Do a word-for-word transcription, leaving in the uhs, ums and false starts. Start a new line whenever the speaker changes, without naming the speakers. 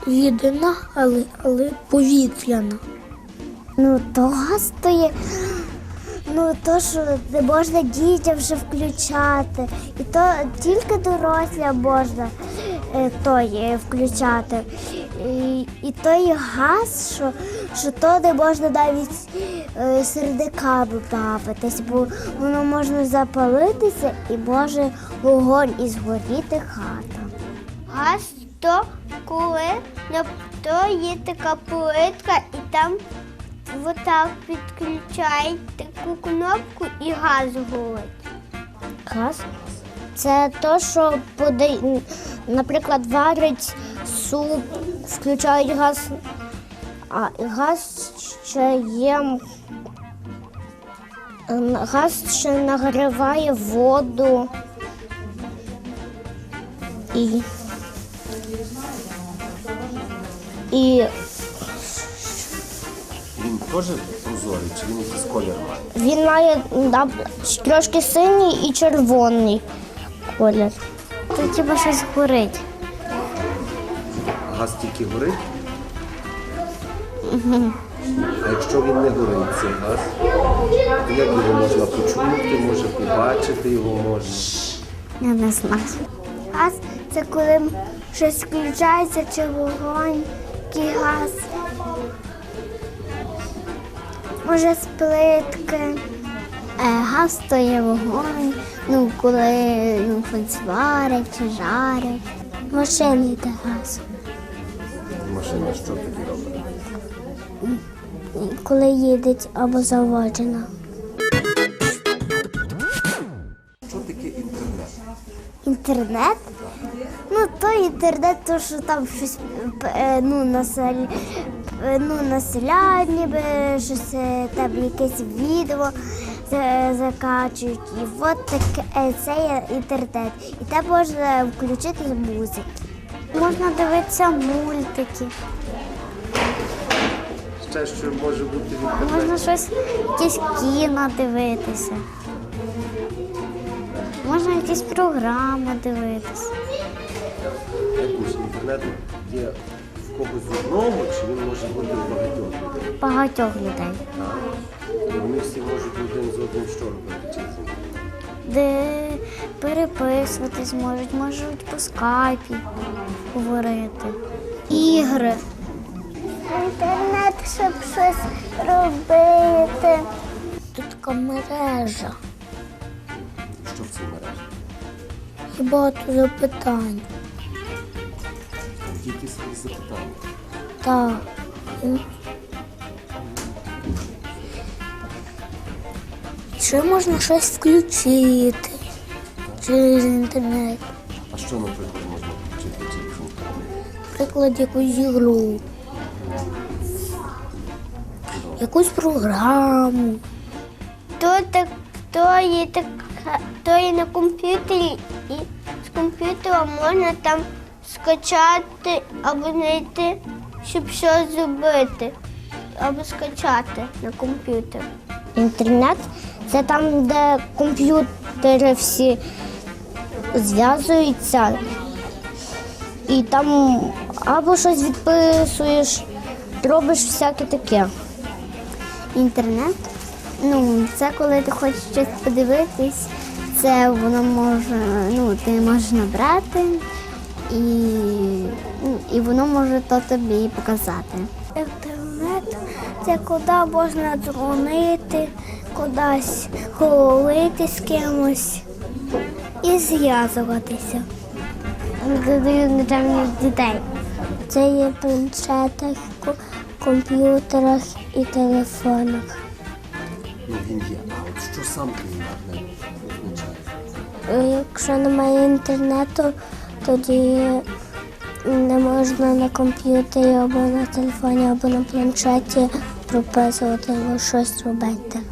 Єдина, але, але повітряна.
Ну, то газ то є, ну, то, що не можна дітям вже включати. І то тільки дорослям можна е, той е, включати. І, і той газ, що, що то не можна навіть е, сердиками бавитись, бо воно може запалитися і може вогонь і згоріти хата.
Газ то коли на то є така плитка і там отак підключають таку кнопку і газ горить.
Газ – це то, що, подає, наприклад, варить суп, включають газ, а газ ще є, газ ще нагріває воду і, і
Він теж прозорий, чи він якийсь колір має?
він має да, трошки синій і червоний колір. Тут хіба щось горить.
Газ тільки горить? Угу. А якщо він не горить, цей газ, то як його можна почути, може побачити його можна?
Я не знаю.
Газ це коли щось включається чи вогонь, який газ. Може, з плитки.
Е, газ то є вогонь, ну, коли ну, щось варять чи жарять. В машині йде газ.
Машина що тоді робить?
Коли їдеть або заводжена.
Що таке інтернет?
Інтернет? Ну, то інтернет, то що там щось е, ну, насель... е, ну, населяють, ніби щось е, там якесь відео за- закачують. І от таке е, це є інтернет. І там можна включити музику. Можна дивитися мультики,
Ще що може бути в інтернеті?
можна щось, якесь кіно дивитися. Можна якісь програми дивитися.
Якось інтернет є в когось одного, чи він може бути в багатьох людей?
Багатьох людей.
Так. І вони всі можуть один з одним що робити через інтернет?
Де переписуватись можуть, можуть по скайпі говорити. Ігри.
Інтернет, щоб щось робити.
Тут така мережа.
Що в цій мережі?
І багато запитань.
Тільки свої запитання.
Так. Ще можна щось включити через інтернет.
А що, наприклад, можна включити через інтернет?
Наприклад, якусь ігру. Якусь програму.
То, так, то, є так, то є на комп'ютері, і з комп'ютера можна там скачати або знайти, щоб щось зробити, або скачати на комп'ютер.
Інтернет це там, де комп'ютери всі зв'язуються. І там або щось відписуєш, робиш всяке таке.
Інтернет, ну, це коли ти хочеш щось подивитись, це воно може, ну, ти можеш набрати і, ну, і воно може то тобі показати. Інтернет – це куди можна дзвонити, кудись говорити з кимось і зв'язуватися. Для дітей.
Це є в планшетах, ко- комп'ютерах і телефонах.
Ну, він є. А от що сам той інтернет означає?
Е, Якщо немає інтернету, тоді не можна на комп'ютері або на телефоні, або на планшеті прописувати або щось робити.